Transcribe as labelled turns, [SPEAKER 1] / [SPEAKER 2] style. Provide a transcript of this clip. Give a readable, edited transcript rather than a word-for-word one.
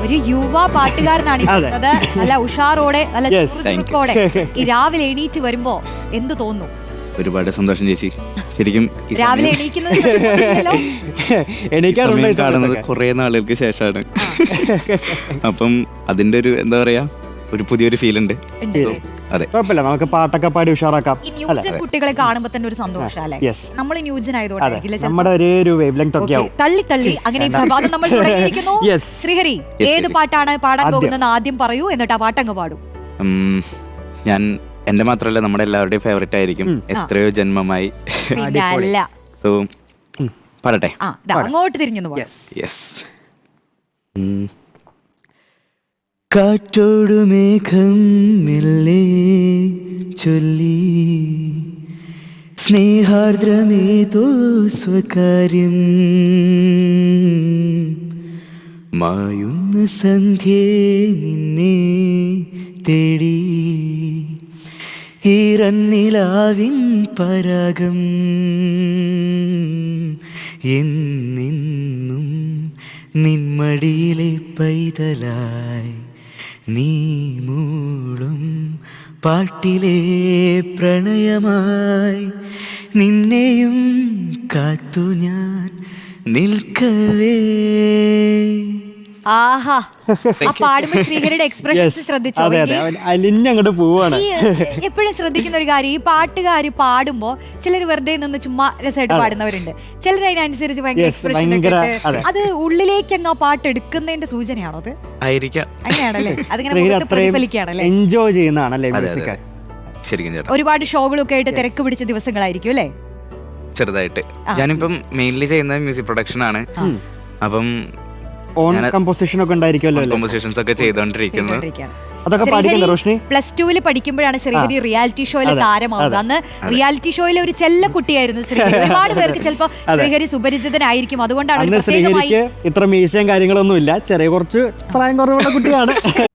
[SPEAKER 1] ഒരു യുവ പാട്ടുകാരനാണ് ഇരിക്കുന്നത്. നല്ല ഉഷാറോടെ നല്ല ചുറുചുറുക്കോടെ ഈ രാവിലെ എണീറ്റ് വരുമ്പോ എന്ത് തോന്നുന്നു?
[SPEAKER 2] ഒരുപാട് സന്തോഷം ചേച്ചി. ശരിക്കും
[SPEAKER 1] രാവിലെ
[SPEAKER 2] കാണുന്നത് കുറെ നാളുകൾക്ക് ശേഷമാണ്. അപ്പം അതിന്റെ ഒരു എന്താ പറയാ ഒരു പുതിയൊരു ഫീൽ ഉണ്ട്. അതെ,
[SPEAKER 3] കുഴപ്പമില്ല, നമുക്ക് പാട്ടൊക്കെ പാടി ഉഷാറാക്കാം.
[SPEAKER 1] ന്യൂജൻ കുട്ടികളെ കാണുമ്പോൾ തന്നെ ഒരു സന്തോഷം അല്ലേ? നമ്മൾ ന്യൂജൻ ആയതുകൊണ്ട്
[SPEAKER 3] നമ്മുടെ ഒരു വേവ് ലെങ്ത് ഒക്കെ ആവും.
[SPEAKER 1] തള്ളി തള്ളി അങ്ങനെ പ്രഭാതം നമ്മൾ തുടങ്ങിയിരിക്കുന്നു. ശ്രീഹരി, ഏത് പാട്ടാണ് പാടാൻ പോകുന്നത് ആദ്യം പറയൂ, എന്നിട്ട് ആ പാട്ടങ്ങ് പാടും.
[SPEAKER 2] ഞാൻ എന്റെ മാത്രമല്ല നമ്മുടെ എല്ലാവരുടെയും ഫേവറേറ്റ് ആയിരിക്കും എത്രയോ ജന്മമായി. സോ പാടട്ടെ.
[SPEAKER 1] അങ്ങോട്ട് തിരിഞ്ഞു.
[SPEAKER 2] കാറ്റോടു മേഘം മെല്ലെ ചൊല്ലി സ്നേഹാർദ്രമേതോ സ്വകാര്യം മായുന്ന സന്ധ്യേ നിന്നെ തേടി ഈറന്നിലാവിൻ പരാഗം എന്നെന്നും നിന്മടിയിലെ പൈതലായി നീ മൂളും പാട്ടിലെ പ്രണയമായി നിന്നെയും കാത്തു ഞാൻ നിൽക്കവേ.
[SPEAKER 1] ആഹാ, ആ പാടുമ്പോ ശ്രീഹരിയുടെ എക്സ്പ്രഷൻസ് ശ്രദ്ധിച്ചോ?
[SPEAKER 3] അലിഞ്ഞങ്ങോട്ട് പോവാണ്.
[SPEAKER 1] എപ്പോഴും ശ്രദ്ധിക്കുന്ന ഒരു കാര്യം, ഈ പാട്ടുകാർ പാടുമ്പോ ചിലർ വെറുതെ നിന്ന് ചുമ്മാ രസമായിട്ട് പാടുന്നവരുണ്ട്, ചിലർ അതിനനുസരിച്ച് ഭയങ്കര എക്സ്പ്രഷൻ. അത് ഉള്ളിലേക്ക് അങ്ങ് ആ പാട്ട് എടുക്കുന്നതിന്റെ സൂചനയാണോ? അത് അങ്ങനെയാണല്ലേ? അതിങ്ങനെ പ്രതിഫലിക്കുകയാണല്ലേ?
[SPEAKER 3] എൻജോയ് ചെയ്യുന്നതാണല്ലേ?
[SPEAKER 1] ഒരുപാട് ഷോകളൊക്കെ ആയിട്ട് തിരക്ക് പിടിച്ച ദിവസങ്ങളായിരിക്കും അല്ലേ?
[SPEAKER 2] ചെറുതായിട്ട് ഞാനിപ്പം മെയിൻലി ചെയ്യുന്ന മ്യൂസിക് പ്രൊഡക്ഷൻ ആണ്. അപ്പം
[SPEAKER 3] കമ്പോസിഷൻ ഒക്കെ ഉണ്ടായിരിക്കുമല്ലോ.
[SPEAKER 2] കമ്പോസിഷൻസ് ഒക്കെ ചെയ്തോണ്ടിരിക്കുന്നു.
[SPEAKER 3] അതൊക്കെ പഠിക്കുന്നത് റോഷ്നി
[SPEAKER 1] പ്ലസ് ടുവിൽ പഠിക്കുമ്പോഴാണ് ശ്രീഹരി റിയാലിറ്റി ഷോയിൽ താരമാവുന്നത്. അന്ന് റിയാലിറ്റി ഷോയിലെ ഒരു ചെല്ല കുട്ടിയായിരുന്നു ശ്രീഹരി. ഒരുപാട് പേർക്ക് ചിലപ്പോൾ ശ്രീഹരി സുപരിചിതനായിരിക്കും. അതുകൊണ്ടാണ്
[SPEAKER 3] ശ്രീഹരിക്ക് ഇത്ര മീശയും കാര്യങ്ങളൊന്നും ഇല്ല, ചെറിയ കുറച്ച് പ്രായം കുറവുള്ള കുട്ടിയാണ്.